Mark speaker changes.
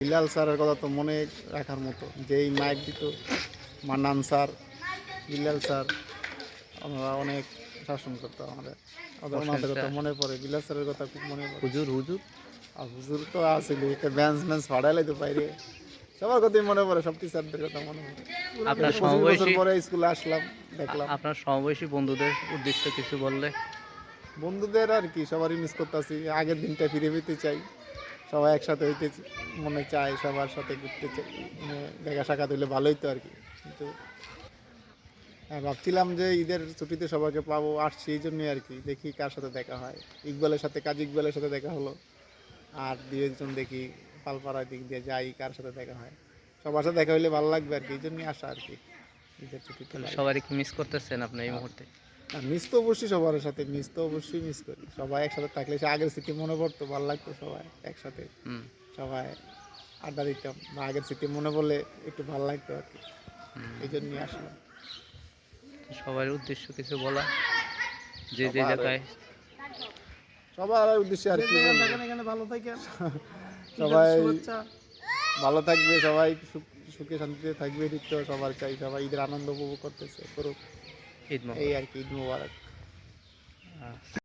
Speaker 1: বিলাল স্যারের কথা তো মনে রাখার মতো, যেই মাইক দিত মান্নান স্যার, বিলাল স্যার, আমরা অনেক শাসন করতো আমাদের। ওনাদের কথা মনে পড়ে, বিলাল স্যারের কথা খুব মনে পড়ে।
Speaker 2: হুজুর হুজুর
Speaker 1: আর হুজুর তো আসলে একটা বেঞ্চ ফাড়াইলে তো বাইরে, সবার কথাই মনে পড়ে, সব টিচারদের কথা মনে পড়ে।
Speaker 2: আপনার
Speaker 1: 25 বছর
Speaker 2: সমবয়সী
Speaker 1: পরে স্কুলে আসলাম, দেখলাম
Speaker 2: আপনার সমবয়সী বন্ধুদের উদ্দেশ্য কিছু বললে।
Speaker 1: বন্ধুদের আর কি সবারই মিস করতেছি, আগের দিনটা ফিরে পেতে চাই, সবাই একসাথে হইতে মনে চায়, সবার সাথে ঘুরতে চাই, মানে দেখা সাক্ষাৎ হইলে ভালোই তো আর কি। কিন্তু হ্যাঁ, ভাবছিলাম যে ঈদের ছুটিতে সবাইকে পাবো, আসছি এই জন্যই আর কি, দেখি কার সাথে দেখা হয়। ইকবালের সাথে, কাজী ইকবালের সাথে দেখা হলো, আর দুই একজন দেখি পালপাড়ার দিক দিয়ে যাই, কার সাথে দেখা হয়। সবার সাথে দেখা হইলে ভালো লাগবে আর কি, এই জন্যই আসা আর কি ঈদের ছুটিতে
Speaker 2: তাহলে
Speaker 1: বাড়ি।
Speaker 2: সবারই কি মিস করতেছেন আপনি এই মুহূর্তে?
Speaker 1: আর মিস তো অবশ্যই সবার সাথে, মিস তো অবশ্যই মিস করি। সবাই একসাথে থাকলে সে আগের স্মৃতি মনে পড়তো, ভালো লাগতো সবাই একসাথে,
Speaker 2: হুম
Speaker 1: সবাই আড্ডা দিতাম, বা আগের স্মৃতি মনে পড়লে একটু ভালো লাগতো আর কি, এই
Speaker 2: হুম।
Speaker 1: জন্যই আসলাম।
Speaker 2: সবার উদ্দেশ্য কিছু বলা, যে যে
Speaker 1: সবার
Speaker 2: জায়গায়।
Speaker 1: সবার উদ্দেশ্যে আর কি বলবো,
Speaker 3: এখানে ভালো থাকেন, ঈদের
Speaker 1: সবাই
Speaker 3: শুভেচ্ছা।
Speaker 1: ভালো থাকবে, সবাই সুখে শান্তিতে থাকবে, এদিক তো সবার চাই, সবাই ঈদের আনন্দ উপভোগ করতেছে, করুক,
Speaker 2: ঈদ
Speaker 1: এই
Speaker 2: মোবারক।
Speaker 1: আর কি। ঈদ মুবারক।